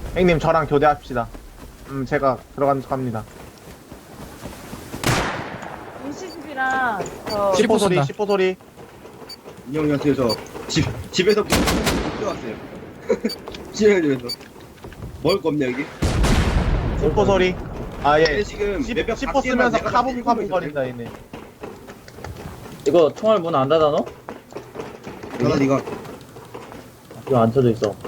형님 저랑 교대합시다. 제가 들어가는 척 합니다. 인시집이랑 저 시포 소리, 쏜다. 시포 소리. 안녕하세요. 저 집에서 뛰어왔어요. 집에서 먹을 거 없냐 여기? 시포 소리. 아 예. 근데 지금 몇몇 시포 밖에만 쓰면서 내가 카분카분 있어요. 거린다 얘네. 이거 총알 문 안 닫아 너? 나가 니가. 이거 안 쳐져 있어.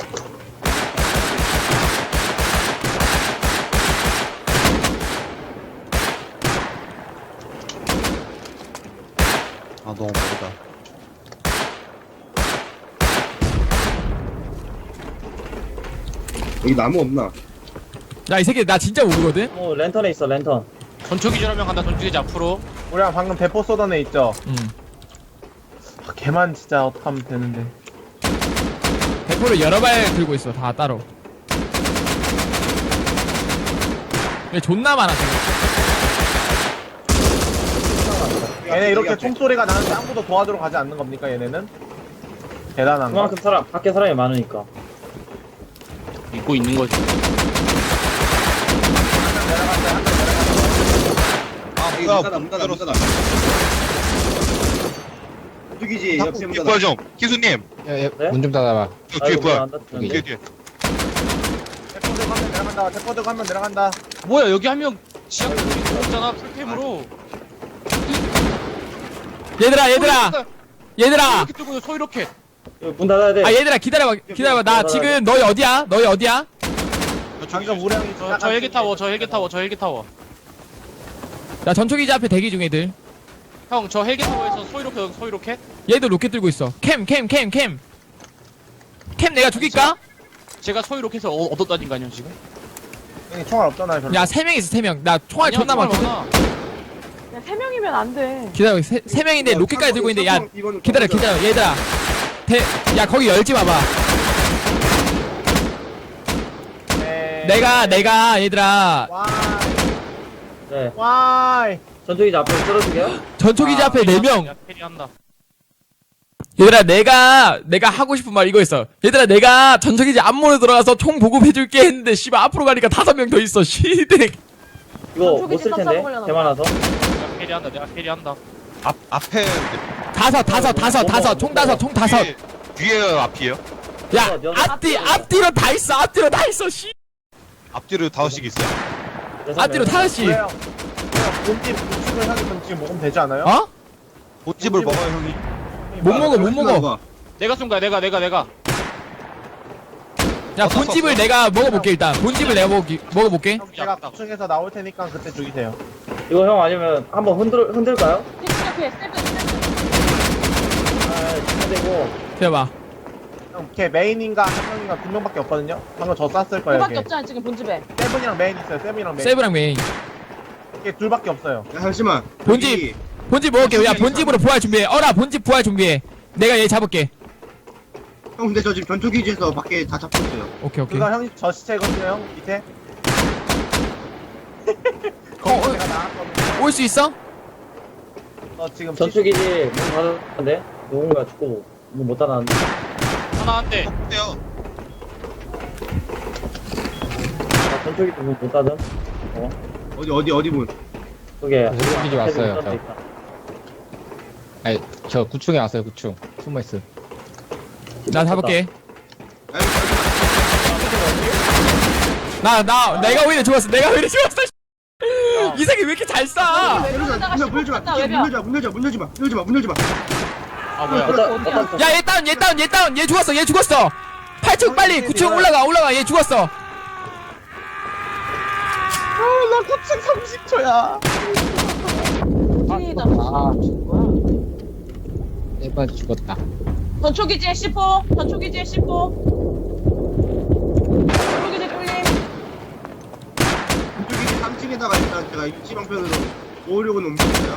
아 너무 멀다. 여기 나무 없나? 야 이 새끼 나 진짜 모르거든? 랜턴에 있어 랜턴. 전초기절 한명 간다. 전초기절 앞으로. 우리랑 방금 대포 쏘던 애 있죠? 응. 아, 걔만 진짜 어떡하면 되는데. 대포를 여러 발 들고 있어 다 따로. 얘 존나 많아 지금. 얘네 이렇게 총소리가 나는데 아무도 도와주러 가지 않는 겁니까 얘네는? 대단한 거. 그만큼 사람 밖에 사람이 많으니까. 믿고 있는 거지. 아 여기 뭐야? 문 닫아. 죽이지 옆에 문 닫아. 부활 좀. 기수님. 네? 문 좀 닫아봐. 저 뒤에 부활. 안 닫히는데? 뒤에 뒤에. 대포들 가면 내려간다. 대포들 가면 내려간다. 뭐야 여기 한 명 지하 들어오잖아. 풀캠으로. 얘들아 얘들아 이렇게 뜨고 서 이렇게. 이거 문 닫아야 돼. 아 얘들아 기다려봐 나 지금 너희 어디야? 방금 우리 형이 저 헬기 타워. 저 헬기 타워. 저 헬기 타워. 나 전초기지 앞에 대기 중 애들. 형 저 헬기 타워에서 서 이렇게. 얘도 로켓 들고 있어. 캠 내가 죽일까? 제가 서 이렇게 해서 얻었다는 거 아니야 지금? 형이 총알 없잖아요 별로. 야 3명 있어 3명. 나 총알 아니야, 존나 정말 많거든. 많아. 야, 3명이면 안 돼. 기다려 3명인데 로켓까지 들고 있는데 야 이거는 기다려 얘들아 야 거기 열지 마봐. 네. 내가 얘들아 네. 와이. 전투기지 앞으로 떨어지게요? 전초기지 앞에 4명. 야, 캐리한다. 얘들아 내가 하고 싶은 말 이거 있어. 얘들아 내가 전초기지 앞문에 들어가서 총 보급해줄게 했는데 씨발 앞으로 가니까 5명 더 있어. 시댁. 이거 전투기지 못 쓸 텐데. 깜짝 놀라나 개 많아서. 내가 캐리한다. 앞에 다섯 총 5. 뒤에 앞이에요? 야 앞뒤로 다 있어 씨. 앞뒤로 5씩 있어요. 앞뒤로 5씩. 왜요? 본집 구축을 하면 지금 먹으면 되지 않아요? 어? 본집을 먹어요 형이. 못 먹어. 내가 쏜 거야. 내가. 야 본집을 내가 먹어볼게 일단. 본집을 내가 먹어볼게. 형 제가 구축해서 나올 테니까 그때 죽이세요. 이거 형 아니면 한번 흔들까요? 옆에 세븐. 아, 흔들고. 기다려봐. 형, 걔 메인인가 한 명인가 2명밖에 없거든요. 방금 저 쐈을 거예요. 그밖에 걔. 없잖아 지금 본집에. 세븐이랑 메인 있어요. 세븐이랑 메인. 세브랑 메인. 걔 둘밖에 없어요. 야 잠시만. 본집. 여기 본집 먹을게. 야 본집으로 부활 준비해. 어라 본집 부활 준비해. 내가 얘 잡을게. 형 근데 저 지금 전투기지에서 밖에 다 잡고 있어요. 오케이. 그거 형저 시체거든요. 형 밑에. 거기 제가 나왔거든요. 올 수 있어? 지금 전투기지 문 닫았는데? 누군가 죽고 문 못 닫았는데? 하나 한 대. 어때요? 아, 전투기지 문 못 닫음? 어디 문? 그게. 전투기지 왔어요, 문 닫혀 저. 있다. 아니, 저 9층에 왔어요, 9층. 숨어있어. 나 잡을게. 아니, 내가 오히려 죽었어. 이 새끼 왜 이렇게 잘 쏴? 문 열지 마. 아 뭐야? 야, 얘 다운. 얘 죽었어. 8층 빨리 9층 올라가. 얘 죽었어. 나 구축 30초야. 킹이다. 아, 죽은 거야. 네 번째 죽었다. 전초기지에 C4. 전초기지에 뚫림. 전투기지 3층에다가 일단 제가 입지 방편으로 모으려고는 움직였어요.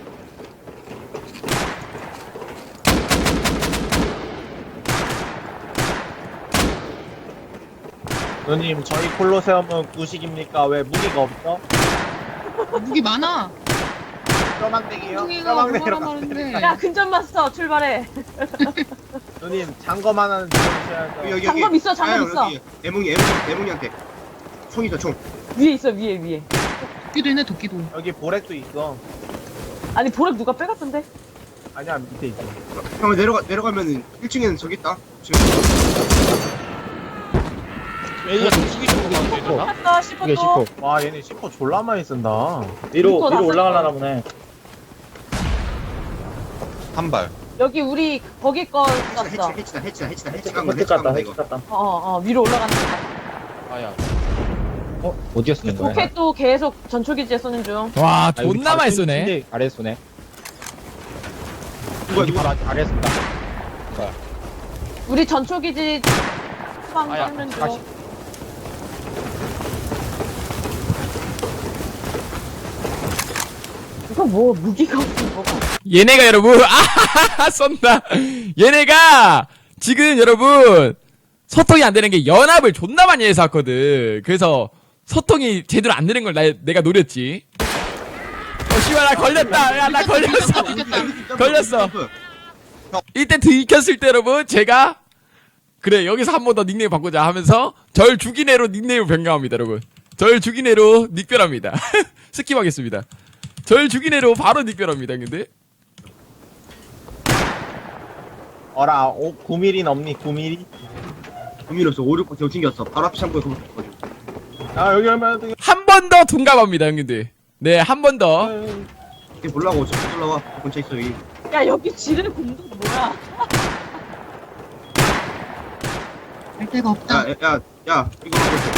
누님 저희 콜로세움은 구식입니까? 왜 무기가 없어? 무기 많아. 뼈망대기요? 뼈망대기로 말하는데. 야 근접 마스터 출발해. 누님 장검 하나는 주셔야죠. 여기 장검 있어, 장검 있어. 애몽이한테 총 있어 총. 위에 있어 위에. 도끼도 있네 도끼도. 여기 보렉도 있어. 아니 보렉 누가 빼갔던데? 아니야 밑에 있어. 형 내려가면은 1층에는 저기 있다. 지금 얘가 숙이 쪽으로 가면 되나? 갔어 이게 10호 또. 10호. 와 얘네 10호 졸라 많이 쓴다. 위로 이거 위로 올라가려나 보네. 한 발. 여기 우리 거기 거 갔어. 해치다 해치 갔다 해치 갔다. 위로 올라가는 거. 아야. 어디에 쓰는 거야? 로켓도 계속 전초기지에 쏘는 중. 와 아, 여기 존나 바로 많이 쏘네. 침대 아래 쏘네. 누가 바로 아래 쏜다. 우리 전초기지 방 아야, 쏘는 중. 다시. 이거 뭐 무기가 없어 뭐가. 얘네가 여러분 아 쏜다. 얘네가 지금 여러분 소통이 안 되는 게 연합을 존나 많이 해서 왔거든. 그래서 소통이 제대로 안 되는 걸 내가 노렸지. 씨발 나 걸렸다. 야 나 걸렸어. 걸렸어. 이때 들켰을 때 여러분 제가 그래 여기서 한 번 더 닉네임 바꾸자 하면서 절 죽인 애로 닉네임을 변경합니다 여러분. 절 죽인 애로 닉별합니다. 스킵하겠습니다. 절 죽인 애로 바로 닉별합니다. 근데 어라 9mm 넘니 9mm? 의미 없어. 5, 6번 대고 튕겼어. 바로 앞 창고에 그거 가지고. 아 여기 하면 한 번 더 동감합니다 형님들. 네 한 번 더. 이게 몰라고 저 올라와. 근처에 있어 여기. 야 여기 지르는 공도 뭐야? 갈 데가 없다. 야 이거 하고 있어.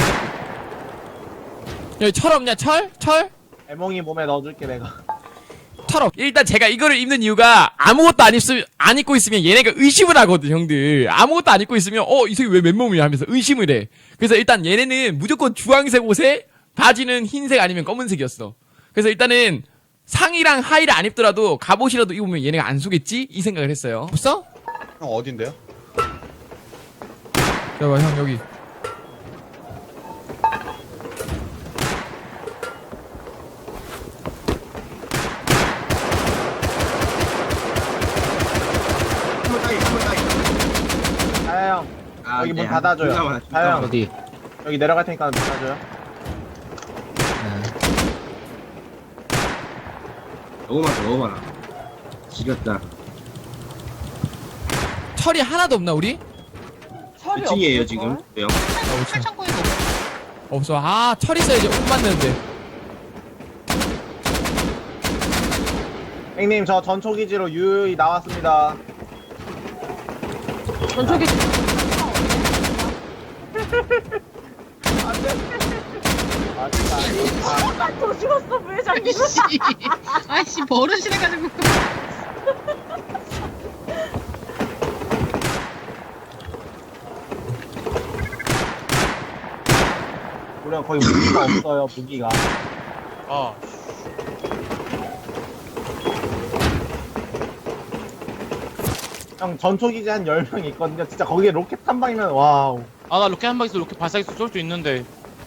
여기 철 없냐 철? 철? 애몽이 몸에 넣어줄게 내가. 철 없. 일단 제가 이거를 입는 이유가 아무것도 안 입고 있으면 얘네가 의심을 하거든 형들. 아무것도 안 입고 있으면 이 새끼 왜 맨몸이야 하면서 의심을 해. 그래서 일단 얘네는 무조건 주황색 옷에 바지는 흰색 아니면 검은색이었어. 그래서 일단은 상의랑 하의를 안 입더라도 갑옷이라도 입으면 얘네가 안 속겠지? 이 생각을 했어요. 없어? 형 어딘데요? 잠깐만 형 여기. 한번 따위. 자야 형 아, 여기 문 네, 닫아줘요. 존나 많아, 존나 자야 많아. 형 어디? 여기 내려갈 테니까 문 닫아줘요. 너무 많아. 지렸다. 철이 하나도 없나 우리? 철이 2층이에요 없을걸? 지금. 형. 철창고에도 없어. 아 철 있어야지 옷 만드는데. 형님 저 전초기지로 유유히 나왔습니다. 전초기지. 또 죽었어 부회장님. 아이씨 버릇이래가지고. 우리가 거의 무기가 없어요 무기가. 아. 형 전초기지 한 10명 있거든요. 진짜 거기에 로켓 한 방이면 와우. 아, 나 로켓 한 방에서 로켓 발사기서 쏠 수 있는데.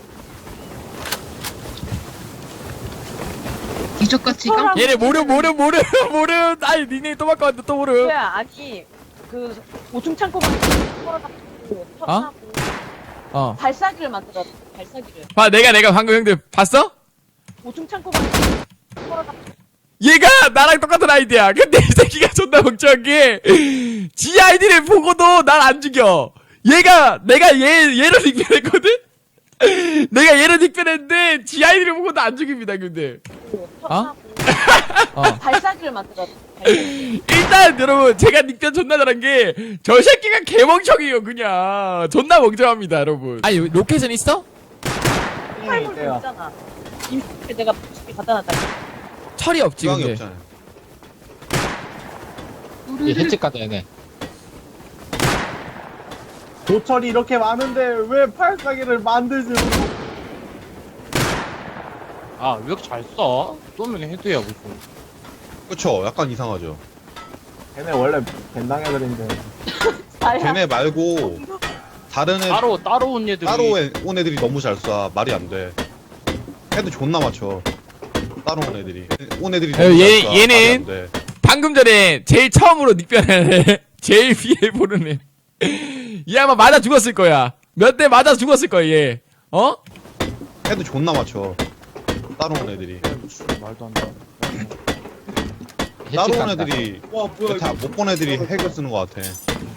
기적같이 깜. 얘네 모름. 아이 닉네임 또 바꿔왔는데 또 모름. 야 아니 그 5층 창고가 털어갖고 쳤하고 발사기를 만들어. 발사기를. 봐 내가 방금 형들 봤어? 5층 창고가 털어갖고. 얘가 나랑 똑같은 아이디야. 근데 이 새끼가 존나 걱정한 게, 지 아이디를 보고도 날 안 죽여. 내가 얘를 닉변했거든? 내가 얘를 닉변했는데, 지 아이디를 보고도 안 죽입니다, 근데. 쳤하고. 어. 발사기를 만들어. 발사기. 일단, 여러분, 제가 닉변 존나 잘한 게, 저 새끼가 개멍청이에요, 그냥. 존나 멍청합니다, 여러분. 아니, 로켓은 있어? 형님 팔물도 있대요. 있잖아. 임팩트 내가 집에 갖다 놨다. 철이 없지, 주황이 근데. 없잖아요. 얘 혜택 가다 얘네. 도철이 이렇게 많은데 왜 팔사기를 만들지? 아, 왜 이렇게 잘 써? 쏘면 헤드야, 무슨. 그쵸? 약간 이상하죠. 걔네 원래 벤당 애들인데. 걔네 말고 다른 애 따로 온 애들이. 따로 온 애들이 너무 잘 쏴. 말이 안 돼. 헤드 존나 맞춰. 따로 온 애들이. 온 애들이. 얘는 네. 방금 전에 제일 처음으로 닉변을 제일 위에 보는 애. 얘 아마 맞아 죽었을 거야. 몇 대 맞아 죽었을 거야 얘. 어? 해도 존나 맞춰. 따로 온 애들이. 말도 안 돼. 따로 온 애들이 와 뭐야 다 이거. 못 본 애들이 핵을 쓰는 것 같아.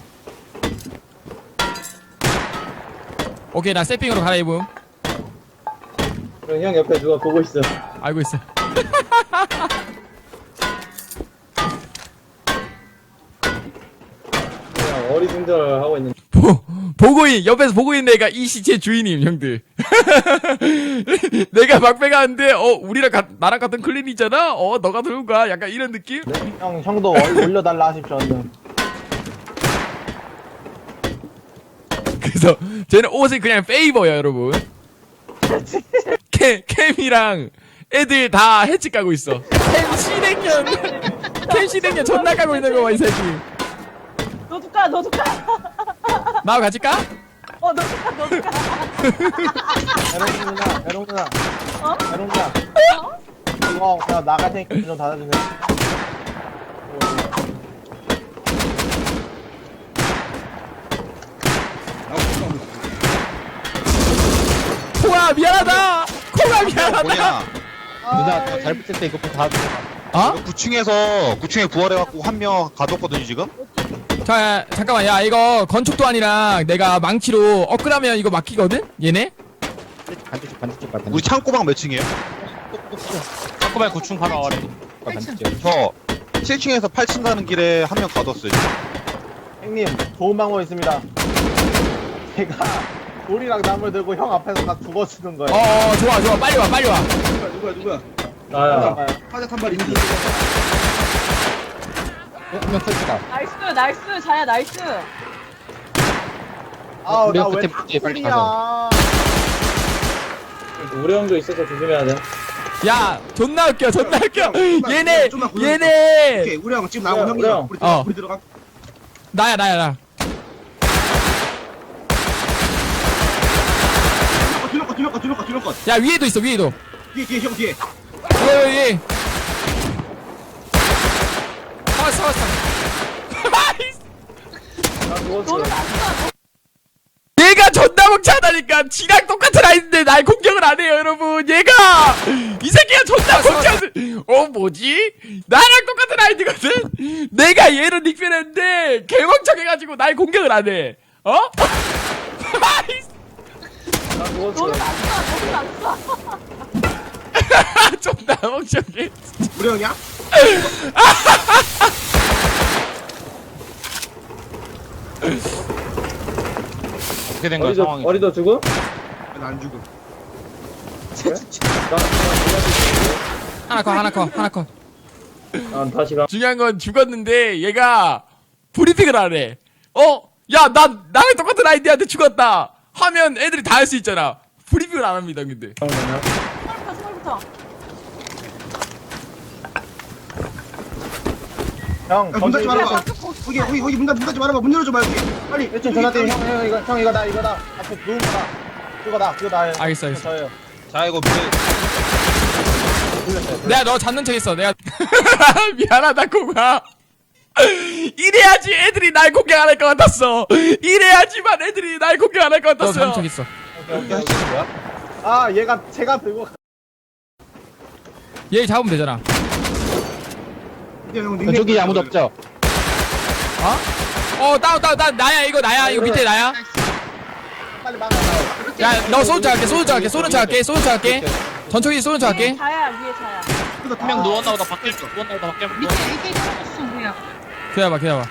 오케이 나 세핑으로 갈아입음. 그럼 형 옆에 누가 보고 있어. 알고 있어. 그냥 어리둥절하고 있는. 보고 옆에서 보고 있는 애가 이 시체 주인임 형들. 내가 막배 가는데 우리랑 나랑 같은 클랜이잖아. 너가 들고 가. 약간 이런 느낌? 형도 올려달라 하십시오. 얼른. 그래서 쟤는 옷이 그냥 페이버야 여러분. 캠이랑 애들 다 해치 까고 있어. 캠 시댕년 존나 까고 있는 거 봐 이 새끼. 너도 까, 너도 까. 나와 같이 까? 너도 까, 너도 까. 에롱 누나. 어? 에롱 누나. 이거 그냥 나갈 테니까 문 좀 닫아주세요. 콩아 미안하다. 콩아 미안하다. 뭐냐? 누나 잘 붙을 때 이거 다 어? 9층에 부활해갖고 한 명 가뒀거든요 지금? 자 잠깐만 야 이거 건축도안이랑 내가 망치로 업그라면 이거 막히거든? 얘네? 반대쪽 같은 우리 창고방 몇 층이에요? 잠깐만 9층 바로 아래. 반대쪽. 저 7층에서 8층 가는 길에 한 명 가뒀어요. 형님, 좋은 방법 있습니다. 제가 돌이랑 나물 들고 형 앞에서 다 죽어주는 거예요. 좋아 빨리 와 누구야 나야. 화작 한발 인디. 한명 터졌다. 나이스, 자야, 나이스. 아우, 우리 나왜 끝에 붙지, 빨리 야 우리 형도 있어서 조심해야 돼. 야 존나 웃겨 얘네 좀만 얘네 오케이 우리 형 지금 나오고 우리 형이랑 형. 우리 들어가. 나야 두명 거. 야 위에도 있어 위에도 뒤에 형 뒤에. 여기 잡았어 나 죽었어. 너는 안 까. 얘가 존나 멍청하다니까 지랑 똑같은 아이인데 날 공격을 안 해요 여러분. 얘가 이 새끼가 존나 멍청한 뭐지? 나랑 똑같은 아이디거든? 내가 얘를 닉변했는데 개멍청해가지고 날 공격을 안 해. 어? 나 죽었어. 너는 안 까. 존나 멍청해. 우리 형이야? 어떻게 된 거야 상황이? 어리도 죽어? 난 죽음. 하나 컷. 난 다시 가. 중요한 건 죽었는데 얘가 브리핑을 안 해. 야, 나랑 똑같은 아이디한테 죽었다 하면 애들이 다 할 수 있잖아. 브리핑을 안 합니다, 근데. 스몰부터. 형, 문 닫지 말아봐. 거기 거기 문 닫지 말아봐. 문 열어줘 말게. 빨리. 1층 전화 때문에 형 이거다. 앞에 누운 거다. 그거 나예요. 알겠어. 저예요. 자 이거 내가 너 잡는 척 했어. 내가 미안하다, 고가. 이래야지 애들이 날 공격 안 할 것 같았어. 이래야지만 애들이 날 공격 안 할 것 같았어. 너 잡는 척 했어. 오케이. 아, 제가 들고 얘 잡으면 되잖아. 저기 아무도 없죠? 다운. 나야, 이거 밑에 나야. 빨리 막아. 야, 너 쏘는 척 할게. 전초기 쏘는 척 할게. 자야, 위에 자야. 한 명 누웠나 보다 밖에 누웠나 보다 밖에 밑에 AK 떨어졌어 뭐야. 기다려봐.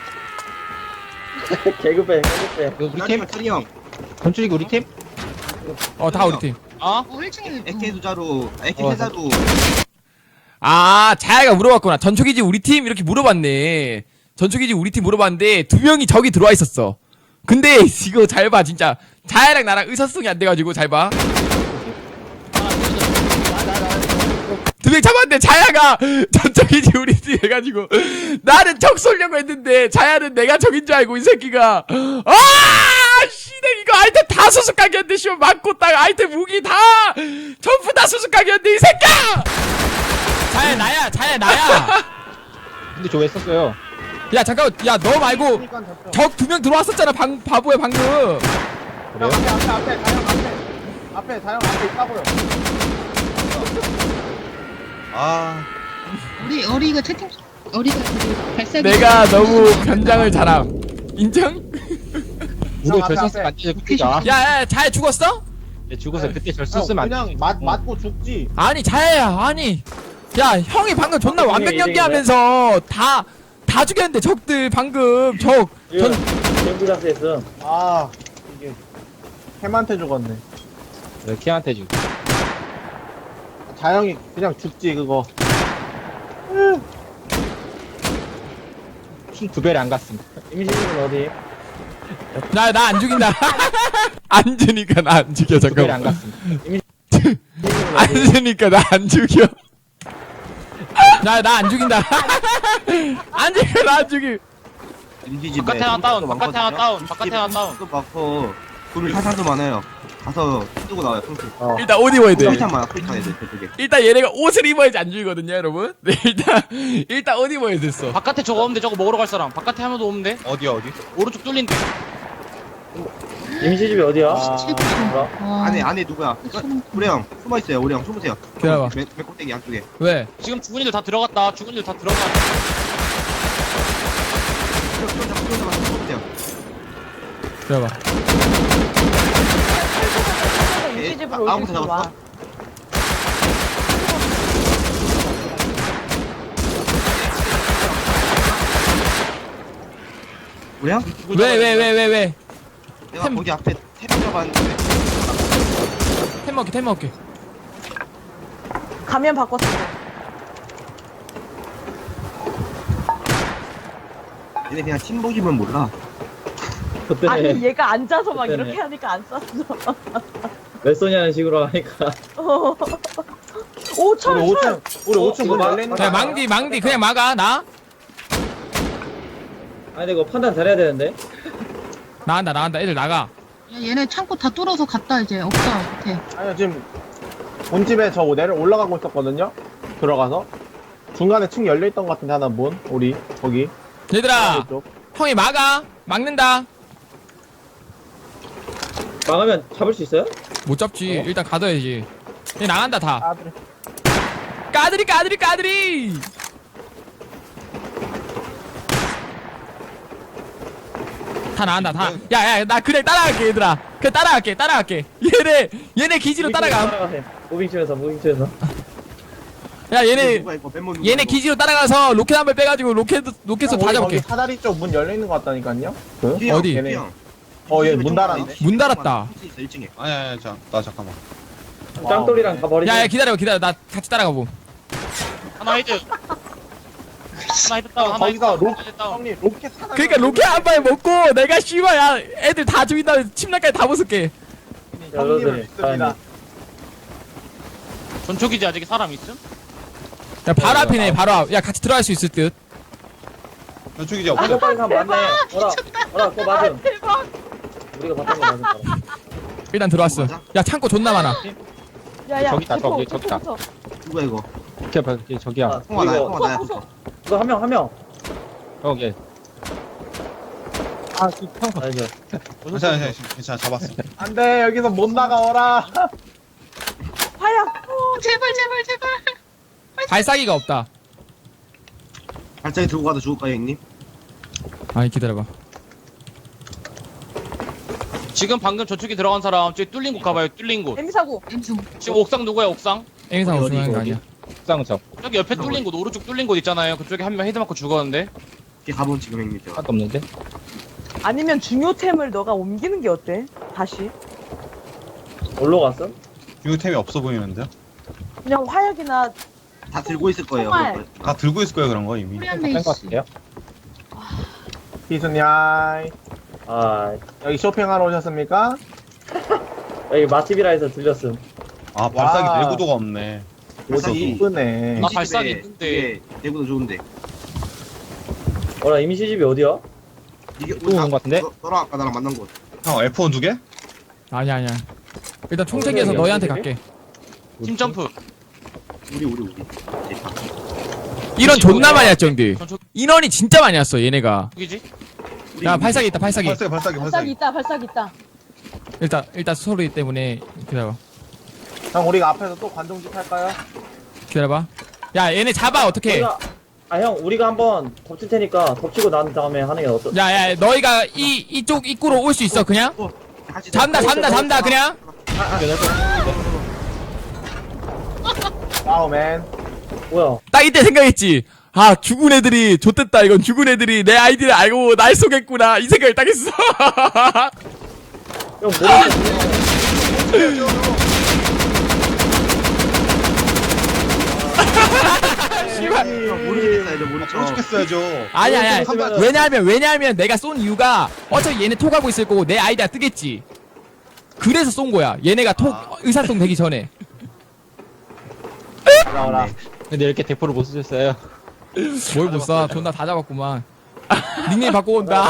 개그배. 이거 우리 팀? 트리 형. 건축이 우리 팀? 다 우리 팀. 어? 1층에 AK 두자루. AK 세자루. 자야가 물어봤구나. 전초기지 우리 팀? 이렇게 물어봤네. 전초기지 우리 팀 물어봤는데 2명이 저기 들어와 있었어. 근데 이거 잘 봐, 진짜. 자야랑 나랑 의사소통이 안 돼가지고 잘 봐. 2명 잡았는데 자야가 전초기지 우리 팀 해가지고 나는 적 쏠려고 했는데 자야는 내가 적인 줄 알고 이 새끼가 씨네 이거 아이템 다 수수깡이었는데 씨발 맞고 딱 아이템 무기 다 전부 다 수수깡이었는데 이 새끼야. 자야 나야. 근데 저 왜 썼어요? 야 잠깐만, 야 너 말고 그러니까 졌죠. 적 2명 들어왔었잖아. 바보야 방금. 형 그래요? 앞에 다형 앞에 있다고요. 아, 우리 어리가 채팅 어리가 그 발사기 내가 너무 변장을 잘함. 인정? 우리 앞에, 절 썼으면 앞에. 안 되죠, 그때가. 야야 잘 죽었어? 예, 죽어서 그때 절 형, 썼으면 안 그냥 되지. 맞고 죽지. 아니 자야야 아니. 야 형이 방금 존나 형이 완벽 이등인데? 연기하면서 다 죽였는데 적들 방금 전 전부 다 했음. 아 이게 햄한테 죽었네. 왜 걔한테 주고. 자영이 그냥 죽지 그거. 키 2배를 안 갔음. 임시집은 어디? 나 안 죽인다. 안 주니까 나 안 죽여 2배를 안 잠깐만. 갔음. 안 주니까 나 안 죽여. 나 안 죽인다. 안 죽여 나 안 죽여. MG 바깥에 하나 다운, 바깥에 하나 다운, 바깥에 하나 다운. 또 많고 그리고 사상도 많아요. 가서 뜨고 나와요. 평소. 일단 옷 입어야 돼. 프리탄 많아. 프리탄 애들 저쪽에. 일단 얘네가 옷을 입어야지 안 죽이거든요 여러분. 네 일단 옷 입어야 됐어. 바깥에 저거 없는데 저거 먹으러 갈 사람. 바깥에 하나도 없는데. 어디? 오른쪽 뚫린데. 임시집이 어디야? 최고. 뭐라? 와. 안에 누구야? 우리 형 숨어 있어요. 우리 형 숨으세요. 기다려봐. 맨 꼭대기 안쪽에. 왜? 지금 죽은 이들 다 들어갔다. 죽은 이들 다 들어갔다. 숨으세요. 들어봐. 임시집으로 아, 오실 수 아무것도 와. 잡았어? 우리 형? 왜? 내가 템. 거기 앞에 탭 잡았는데 템 먹게. 가면 바꿨어. 얘네 그냥 팀복이면 몰라. 그때는 아니 얘가 앉아서 막 그때네. 이렇게 하니까 안 쐈어. 몇 소냐는 식으로 하니까. 오 철. 우리 5층 문 이거 열려 있는 야 망디 그냥 막아 나. 아니 근데 이거 판단 잘해야 되는데. 나간다 애들 나가. 야, 얘네 창고 다 뚫어서 갔다 이제 없다 밑에. 아니요 지금 본집에 저 올라가고 있었거든요. 들어가서 중간에 층 열려 있던 것 같은데 하나 문 우리 거기 얘들아 이쪽. 형이 막는다. 막으면 잡을 수 있어요? 못 잡지. 일단 가둬야지. 얘 나간다 다. 아 그래. 까드리. 다 나간다 다. 야야 나 그냥 따라갈게 얘들아. 그냥 따라갈게. 얘네 기지로 따라가. 따라가세요. 무빙치면서. 야 얘네 누가 이거 맨몸 누가 얘네 이거. 기지로 따라가서 로켓 한 발 빼가지고 로켓으로 다 우리 잡을게. 거기 사다리 쪽 문 열려 있는 것 같다니까요. 그? 휘영, 어디? 얘네. 휘영. 얘 문 닫았네. 문 닫았다. 1층에. 아니, 나 잠깐만. 짱돌이랑 다 버리지. 야야 기다려 나 같이 따라가 봄. 하나 헤드. 하나 헤드 다운. 하나 헤드 거기서 다운. 하나 헤드 다운. 형님 로켓 사다리. 그러니까 로켓 한 발 먹고 내가 씨발 야 애들 다 죽인 다음에 침낭까지 다 벗을게. 형님을 여러분들, 믿습니다. 전초기지 아직 사람 있음? 야 바로 앞이네 바로 앞. 야 같이 들어갈 수 있을 듯. 저쪽이지 이거 없어. 빨리 가면 맞네. 어라 그거 맞음. 대박. 우리가 봤던 거 맞음. 바로. 일단 들어왔어. 야 창고 존나 많아. 야야. 저기 있다, 저기 있다. 누가 이거? 저기야. 아, 통화 나야. 이거 통화 나야. 이거 한 명. 여기. 아니죠. 괜찮아, 잡았어. 안돼 여기서 못 나가어라. 화약. 제발. 발사기가 없다. 발차기 들고 가도 죽을까요, 형님? 아니 기다려봐. 지금 방금 저쪽에 들어간 사람 저기 뚫린 곳 가봐요. 뚫린 곳. 엠사고. 엠수. 지금 옥상 누구야? 옥상? 에미상 어디, 우승하는 거 어디? 아니야. 쌍적. 저기 옆에 뚫린 곳, 오른쪽 뚫린 곳 있잖아요. 그쪽에 한 명 헤드 맞고 죽었는데. 이렇게 가본 지금 형님 저. 하나도 없는데? 아니면 중요템을 너가 옮기는 게 어때? 다시. 올라 갔어? 유템이 없어 보이는데요? 그냥 화약이나 다 들고 있을 거예요. 정말. 그걸. 다 들고 있을 거예요, 그런 거 이미. 코리안 뺀거 베이스. 같은데요? 기순야이 아 여기 쇼핑하러 오셨습니까? 여기 맛집이라 해서 들렸음. 아, 발사기 와. 내구도가 없네. 발사기. 이쁘네. 아, 발사기 있는데. 내구도 좋은데. 어라 임시집이 어디야? 이게 또 오는 거 같은데? 너랑 아까 나랑 만난 곳. 형, F1 2개? 아니야. 일단 총책에서 너희한테 갈게. 팀 점프. 우리. 인원 존나 많이 왔죠, 형들. 전초 인원이 진짜 많이 왔어, 얘네가. 기지? 야, 발사기 있다, 발사기. 발사기 있다, 발사기 있다. 일단 소리 때문에 기다려봐. 형 우리가 앞에서 또 관종짓 할까요? 기다려봐. 야, 얘네 잡아, 어떡해. 형 우리가 한번 덮칠 테니까 덮치고 난 다음에 하는 게 어떠? 야, 너희가 이쪽 입구로 올 수 있어, 그냥? 다시 잡는다, 그냥? 와우 맨. 뭐야? 딱 이때 생각했지. 아, 죽은 애들이, 좆됐다, 이건 죽은 애들이 내 아이디를 알고 날 쏘겠구나. 이 생각을 딱 했어. 형 모르겠어. 모르겠다 이제 모르겠어. 죽겠어야죠. 아니야. 모르겠으면은- 왜냐하면 내가 쏜 이유가 어차피 얘네 톡하고 있을 거고 내 아이디가 뜨겠지. 그래서 쏜 거야. 얘네가 톡 의사소통 되기 전에. 나와라. 근데 이렇게 대포를 못 쓰셨어요. 뭘 못 쏴. 존나 다 잡았구만. 닉네임 바꿔온다.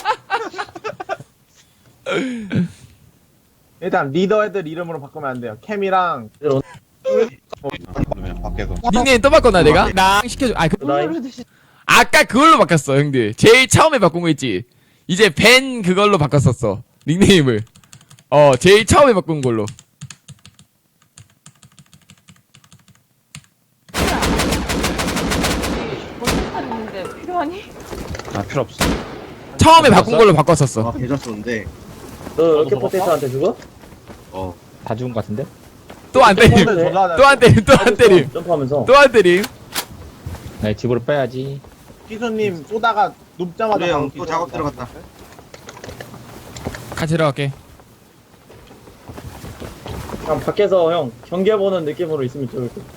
일단 리더 애들 이름으로 바꾸면 안 돼요. 캠이랑 그러면 밖에서. 닉네임 또 바꿨나 내가? 나 시켜줘. 나이. 아까 그걸로 바꿨어 형들. 제일 처음에 바꾼 거 있지. 이제 벤 그걸로 바꿨었어. 닉네임을. 제일 처음에 바꾼 걸로. 버스탄 있는데 필요하니? 아 필요 없어. 처음에 바꾼 걸로 바꿨었어. 계좌 썼는데. 너 이렇게 포테이트한테 죽어? 다 죽은 것 같은데? 또 안 때림. 폰을 졸라 또 안 때림. 또 안 때림. 점프하면서. 또 안 때림. 네, 집으로 빼야지. 기수님 쏘다가 눕자마자 그래 바로 형또 기절. 작업 들어갔다. 같이 들어갈게. 그냥 밖에서 형 경계 보는 느낌으로 있으면 좋을 것.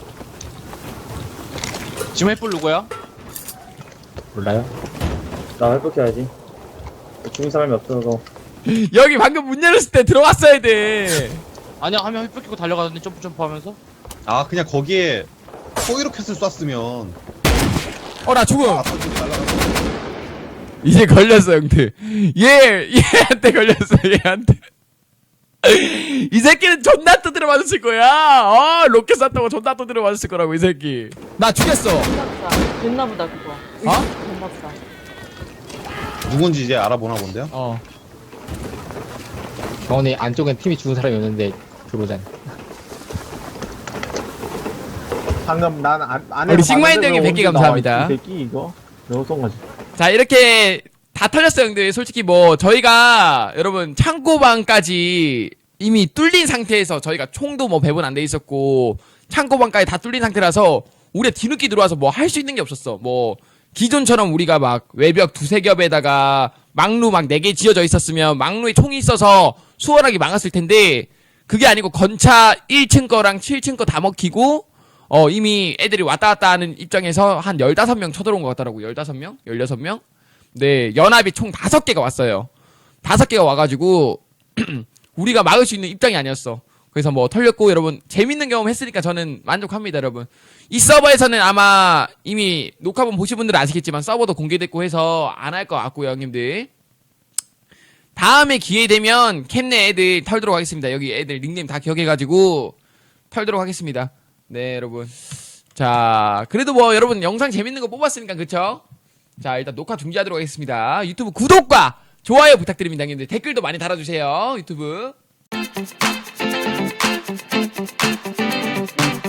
지금 햇불 누구야? 몰라요? 나 회복해야지. 죽은 사람이 없어서. 여기 방금 문 열었을 때 들어갔어야 돼. 아니야 한 명 햇불 끼고 달려가더니 점프 하면서. 아 그냥 거기에 포이로켓을 쐈으면 나 죽음. 아파지지 말라고. 이제 걸렸어 형들. 얘한테 걸렸어 얘한테. 이 새끼는 존나 두드려 맞았을 거야. 로켓 쐈다고 존나 두드려 맞았을 거라고 이 새끼. 나 죽였어. 됐나보다. 됐나보다 그거. 됐나보다. 누군지 이제 알아보나 본데요? 병원에 안쪽엔 팀이 죽은 사람이 없는데 들어오잖아. 방금 난 안에 우리 식마인드에게 100개 감사합니다. 이 새끼 이거 내가 쏜 거지. 자 이렇게 다 털렸어요 형들. 솔직히 뭐 저희가 여러분 창고방까지 이미 뚫린 상태에서 저희가 총도 뭐 배분 안 돼 있었고 창고방까지 다 뚫린 상태라서 우리가 뒤늦게 들어와서 뭐 할 수 있는 게 없었어. 뭐 기존처럼 우리가 막 외벽 두세 겹에다가 막루 막 4개 지어져 있었으면 막루에 총이 있어서 수월하게 막았을 텐데 그게 아니고 건차 1층 거랑 7층 거 다 먹히고 이미 애들이 왔다 갔다 하는 입장에서 한 15명 쳐들어온 것 같더라고. 15명? 16명? 네, 연합이 총 5개가 왔어요. 5개가 와가지고 우리가 막을 수 있는 입장이 아니었어. 그래서 뭐 털렸고 여러분 재밌는 경험 했으니까 저는 만족합니다 여러분. 이 서버에서는 아마 이미 녹화본 보신 분들은 아시겠지만 서버도 공개됐고 해서 안 할 것 같고요 형님들. 다음에 기회 되면 캠내 애들 털도록 하겠습니다. 여기 애들 닉네임 다 기억해가지고 털도록 하겠습니다. 네 여러분. 자 그래도 뭐 여러분 영상 재밌는 거 뽑았으니까 그쵸? 자 일단 녹화 중지하도록 하겠습니다. 유튜브 구독과 좋아요 부탁드립니다 형님들. 댓글도 많이 달아주세요 유튜브.